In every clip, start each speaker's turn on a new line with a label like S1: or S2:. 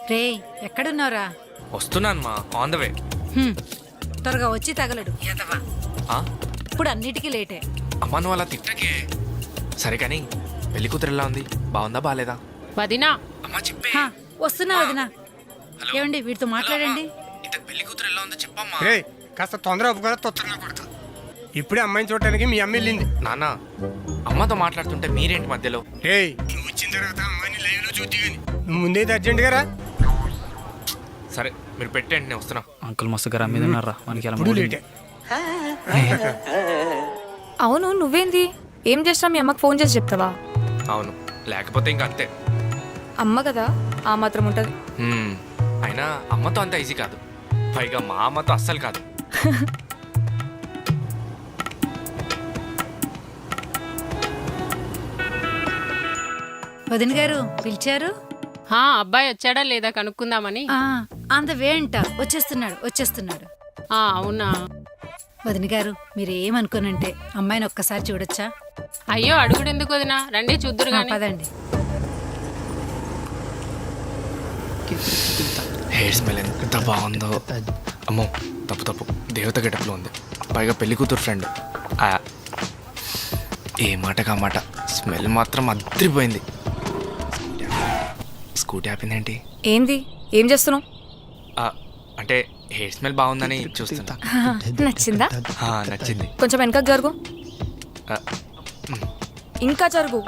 S1: రే ఎక్కడున్నావురా?
S2: వస్తున్నాను మా ఆన్ ద వే.
S1: త్వరగా వచ్చి తగలడు ఎదవా. ఇప్పుడు అన్నిటికీ లేటే.
S2: అమ్మా నువ్వు అలా తిట్టకే. సరే కానీ పెళ్లి కూతురు ఎలా ఉంది? బాగుందా బాగాలేదా?
S3: వదినా
S2: అమ్మా చెప్పే.
S1: వస్తున్నా వదినా. ఏమండి వీటితో మాట్లాడండి.
S2: ఇంత పెళ్లి కూతురు ఎలా ఉందో చెప్పమ్మా.
S4: రే కాస్త తొందర ఒప్పుకోరా, తొందరగా కొడతా. ఇప్పుడే అమ్మాయిని చూడటానికి మీ అమ్మ వెళ్ళింది.
S2: నాన్న అమ్మతో మాట్లాడుతుంటే మీరేంటి మధ్యలో?
S4: రే నువ్వు వచ్చిన తర్వాత అమ్మాయిని లైవ్ లో చూద్ది కానీ నువ్వు ముందైతే అర్జెంట్గా రా.
S2: సరే మీరు పెట్టండి, నేను వస్తున్నా.
S5: అంకుల్ మస్తు గరా మీద ఉన్నారా మనకి ఎలా
S4: ఇప్పుడు లేటే.
S6: అవును నువ్వేంది ఏం చేసినా మీ అమ్మకి ఫోన్ చేసి చెప్తావా?
S2: అవును, లేకపోతే ఇంకా అంతే.
S6: అమ్మ కదా ఆ మాత్రం ఉంటుంది.
S2: అయినా అమ్మతో అంత ఈజీ కాదు, పైగా మా అమ్మతో అస్సలు కాదు.
S1: వదిన గారు పిలిచారు?
S3: అబ్బాయి వచ్చాడా లేదా కనుక్కుందామని.
S1: ఆన్ ద వే అంట. వచ్చేస్తున్నాడు.
S3: అవునా
S1: వదిన గారు మీరేమనుకోనంటే అమ్మాయిని ఒక్కసారి చూడొచ్చా?
S3: అయ్యో అడుగుడు ఎందుకు వదినా, రండి చూద్దురు గాని.
S1: పదండి.
S2: హెయిర్ స్మెల్ ఎంత బాగుందో. అమ్మో తప్పు దేవత గెటప్లో ఉంది, పైగా పెళ్లి కూతురు ఫ్రెండ్. ఏ మాటకా మాట స్మెల్ మాత్రం అద్రిపోయింది. స్కూటీ ఆపిందేంటి?
S6: ఏంది ఏం చేస్తున్నావు?
S2: అంటే హెయిర్ స్మెల్ బాగుందని చూస్తున్నా.
S6: నచ్చిందా?
S2: నచ్చింది.
S6: కొంచెం వెనకకు జరుగు. ఇంకా జరుగు.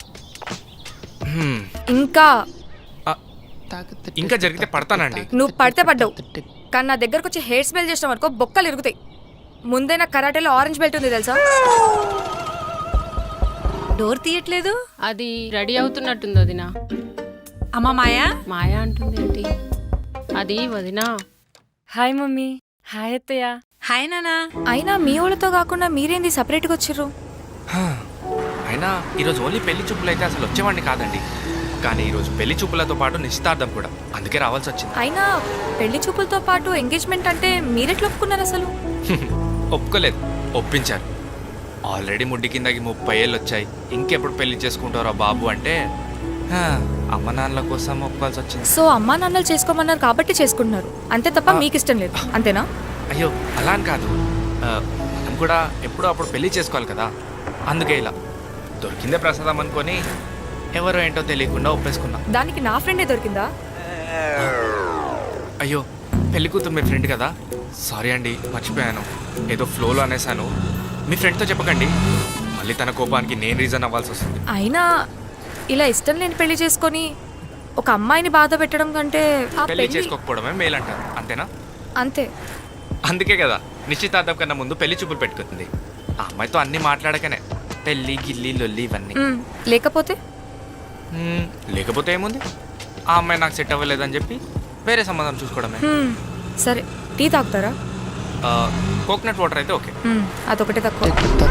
S2: ఇంకా జరిగితే పడతానండి.
S6: నువ్వు పడితే పడ్డావు, కానీ నా దగ్గరకు వచ్చి హెయిర్ స్మెల్ చేసినావు అనుకో బొక్కలు ఇరుగుతాయి. ముందే నా కరాటేలో ఆరెంజ్ బెల్ట్ ఉంది తెలుసా?
S1: డోర్ తీయట్లేదు.
S3: అది రెడీ అవుతున్నట్టుంది వదినా.
S1: అమ్మ మాయా
S3: మాయా అంటుంది ఏంటి? అది వదినా.
S6: Hi mummy. హాయ్ అత్తయ్య.
S1: హాయ్ నానా.
S6: అయినా మీ వాళ్ళతో కాకుండా మీరేంది సపరేట్గా వచ్చిర్రు?
S2: అయినా ఈరోజు ఓన్లీ పెళ్లి చూపులు అయితే అసలు వచ్చేవాడిని కాదండి, కానీ ఈరోజు పెళ్లి చూపులతో పాటు నిశ్చితార్థం కూడా, అందుకే రావాల్సి వచ్చింది.
S6: అయినా పెళ్లి చూపులతో పాటు ఎంగేజ్మెంట్ అంటే మీరెట్లా ఒప్పుకున్నారు అసలు?
S2: ఒప్పుకోలేదు, ఒప్పించారు. ఆల్రెడీ ముడ్డి కిందకి 30 ఏళ్ళు వచ్చాయి, ఇంకెప్పుడు పెళ్లి చేసుకుంటారా బాబు అంటే అమ్మ నాన్నల కోసం ఒప్పుకోవాల్సి వచ్చింది.
S6: సో అమ్మా నాన్నలు చేసుకోమన్నారు కాబట్టి చేసుకుంటున్నారు అంతే తప్ప మీకు ఇష్టం లేదు అంతేనా?
S2: అయ్యో అలా అని కాదు, మనం కూడా ఎప్పుడో అప్పుడు పెళ్లి చేసుకోవాలి కదా, అందుకే ఇలా దొరికిందే ప్రసాదం అనుకొని ఎవరో ఏంటో తెలియకుండా ఒప్పేసుకున్నా.
S6: దానికి నా ఫ్రెండే దొరికిందా?
S2: అయ్యో పెళ్లి కూతురు మీ ఫ్రెండ్ కదా, సారీ అండి మర్చిపోయాను, ఏదో ఫ్లోలో అనేసాను. మీ ఫ్రెండ్తో చెప్పకండి, మళ్ళీ తన కోపానికి నేను రీజన్ అవ్వాల్సి వస్తుంది.
S6: అయినా ఇలా ఇష్టం లేని పెళ్లి చేసుకొని ఒక అమ్మాయిని బాధ పెట్టడం కంటే ఆ
S2: పెళ్లి చేసుకోకపోవడమే మేలంటారు, అంతేనా?
S6: అంతే.
S2: అందుకే కదా నిశ్చితార్థం కన్నా ముందు పెళ్లి చూపులు పెట్టుకుంటుంది. ఆ అమ్మాయితో అన్ని మాట్లాడకనే పెళ్లి గిల్లి లొల్లి ఇవన్నీ.
S6: లేకపోతే
S2: లేకపోతే ఏముంది, ఆ అమ్మాయి నాకు సెట్ అవ్వలేదని చెప్పి వేరే సంబంధం చూసుకోవడమే.
S6: సరే టీ తాగుతారా?
S2: కోకోనట్ వాటర్ అయితే ఓకే.
S6: అదొకటే తక్కువ.